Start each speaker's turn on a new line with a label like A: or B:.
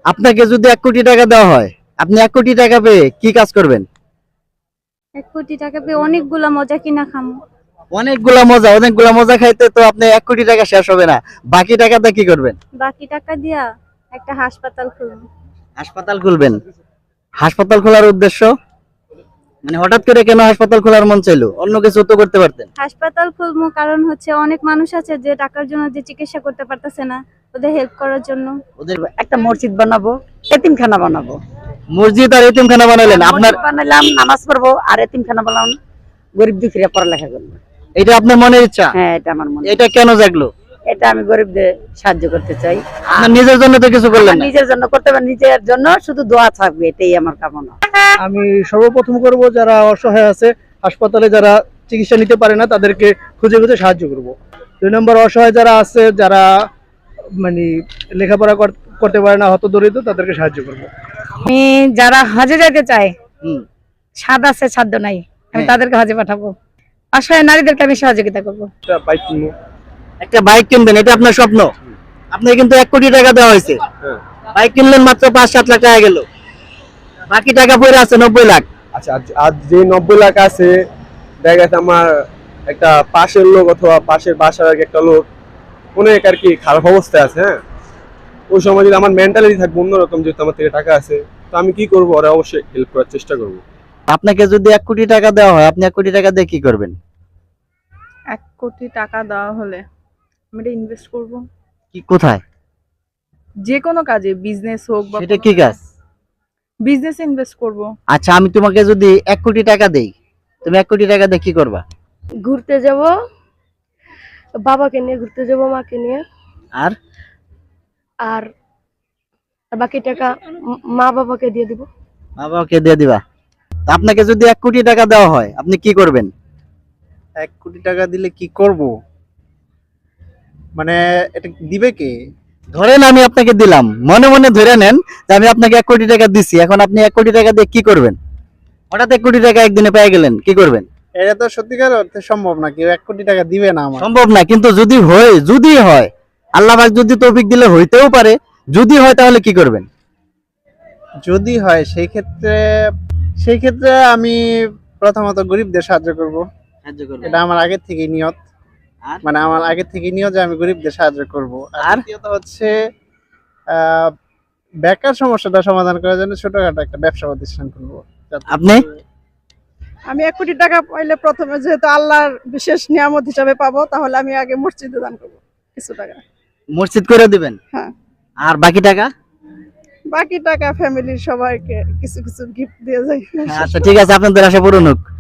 A: আপনাকে যদি 1 কোটি টাকা দেওয়া হয়, আপনি 1 কোটি টাকা পেয়ে কি কাজ করবেন?
B: 1 কোটি টাকা পেয়ে অনেকগুলা মজা কিনা খামু।
A: অনেকগুলা মজা খাইতে তো আপনি 1 কোটি টাকা শেষ হবে না। বাকি টাকাটা কি করবেন?
B: বাকি টাকা দিয়া একটা হাসপাতাল খুলবো।
A: হাসপাতাল খুলবেন। হাসপাতাল খোলার উদ্দেশ্য মানে হঠাৎ করে কেন হাসপাতাল খোলার মন চাইলো? অন্য কিছু তো করতে পারতেন।
B: হাসপাতাল খুলবো কারণ হচ্ছে অনেক মানুষ আছে যে টাকার জন্য যে চিকিৎসা করতে পারতেছে না, ওদের হেল্প করার জন্য।
A: ওদের
C: একটা মসজিদ বানাবো, এতিমখানা বানাবো।
A: মসজিদ আর এতিমখানা বানালেন আপনার,
C: মসজিদ বানালাম, নামাজ পড়বো, আর এতিমখানা বানালাম, গরিব দুঃখীরা পড়ালেখা করবো।
A: এটা আপনার মনের ইচ্ছা?
C: হ্যাঁ, এটা আমার মনে।
A: এটা কেন জাগলো?
C: এটা আমি গরিবদের সাহায্য করতে চাই।
A: আপনার নিজের জন্য তো কিছু করলেন
C: আমার
A: না।
C: নিজের জন্য করতে পারি, নিজের জন্য শুধু দোয়া থাকবে, এটাই আমার কামনা।
D: আমি সর্বপ্রথম করব যারা অসহায় আছে, হাসপাতালে যারা চিকিৎসা নিতে পারে না তাদেরকে খুঁজে খুঁজে সাহায্য করব। 2 নম্বর, অসহায় যারা আছে, যারা মানে লেখাপড়া করতে পারে না, হতদরিদ্র, তাদেরকে সাহায্য করব।
E: আমি যারা হজে যেতে চায়,
A: হুম।
E: স্বাদ আছে সাধ্য নাই, আমি
A: হ্যাঁ।
E: তাদেরকে হজে পাঠাবো। অসহায় নারীদেরকে আমি সহযোগিতা করবো।
A: একটা বাইক কিনবেন, এটা আপনার স্বপ্ন। আপনি কিন্তু 1 কোটি টাকা দেওয়া হয়েছে, বাইক কিনলেন মাত্র 5-7 লাখ টাকা গেল, বাকি টাকা পড়ে আছে 90 লাখ।
F: আচ্ছা, আজ যে 90 লাখ আছে, দেখা গেছে আমার একটা পাশের লোক অথবা পাশের বাসার একটা লোক অনেক আর কি খারাপ অবস্থায় আছে। হ্যাঁ, ওই সময় যদি আমার মেন্টালিটি থাকবে অন্যরকম, যেহেতু আমার থেকে টাকা আছে, তো আমি কি করবো, ওরা অবশ্যই হেল্প করার চেষ্টা করবো।
A: আপনাকে যদি 1 কোটি টাকা দেওয়া হয়, আপনি 1 কোটি টাকা দিয়ে কি করবেন?
G: 1 কোটি টাকা দেওয়া হলে আমি এটা ইনভেস্ট করব,
A: কি কোথায়?
G: যে কোনো কাজে, বিজনেস হোক বা
A: সেটা কি কাজ?
G: বিজনেসে ইনভেস্ট করব।
A: আচ্ছা, আমি তোমাকে যদি 1 কোটি টাকা দেই, তুমি 1 কোটি টাকা দিয়ে কি করবা?
B: ঘুরতে যাব, বাবাকে নিয়ে ঘুরতে যাব, মাকে নিয়ে।
A: আর
B: আর বাকি টাকা মা বাবাকে দিয়ে দিব।
A: বাবাকে দিয়ে দিবা। তা আপনাকে যদি 1 কোটি টাকা দেওয়া হয়, আপনি কি করবেন?
H: 1 কোটি টাকা দিলে কি করব? মানে এটা দিবে কে?
A: ধরেন আমি আপনাকে দিলাম, মনে মনে ধরে নেন যে আমি আপনাকে 1 কোটি টাকা দিছি, এখন আপনি 1 কোটি টাকা দিয়ে কি করবেন? হঠাৎ 1 কোটি টাকা একদিনে পেয়ে গেলেন, কি করবেন?
H: এটা তো সত্যিকার অর্থে সম্ভব না, কেউ 1 কোটি টাকা দিবে না আমার।
A: সম্ভব না, কিন্তু যদি হয়, আল্লাহ পাক যদি তৌফিক দিলে হইতেও পারে, যদি হয় তাহলে কি করবেন?
H: যদি হয় সেই ক্ষেত্রে আমি প্রথমত গরিবদের সাহায্য করব। এটা আমার আগের থেকেই নিয়ত।
A: আর?
H: মানে আমার আগের থেকেই নিয়ত যে আমি গরিবদের সাহায্য করব। আর দ্বিতীয়ত হচ্ছে বেকার সমস্যাটা সমাধান করার জন্য ছোটখাটো একটা ব্যবসা প্রতিষ্ঠান করব।
A: আপনি?
G: আমি 1 কোটি টাকা পাইলে প্রথমে যেহেতু আল্লাহর বিশেষ নিয়ামত হিসাবে পাবো, তাহলে আমি আগে মসজিদে দান করব কিছু টাকা।
A: মসজিদ করে দিবেন?
G: হ্যাঁ।
A: আর বাকি টাকা?
G: বাকি টাকা ফ্যামিলির সবাইকে কিছু কিছু গিফট দিয়ে যাই।
A: আচ্ছা, ঠিক আছে, আপনাদের আশা পূরণ হোক।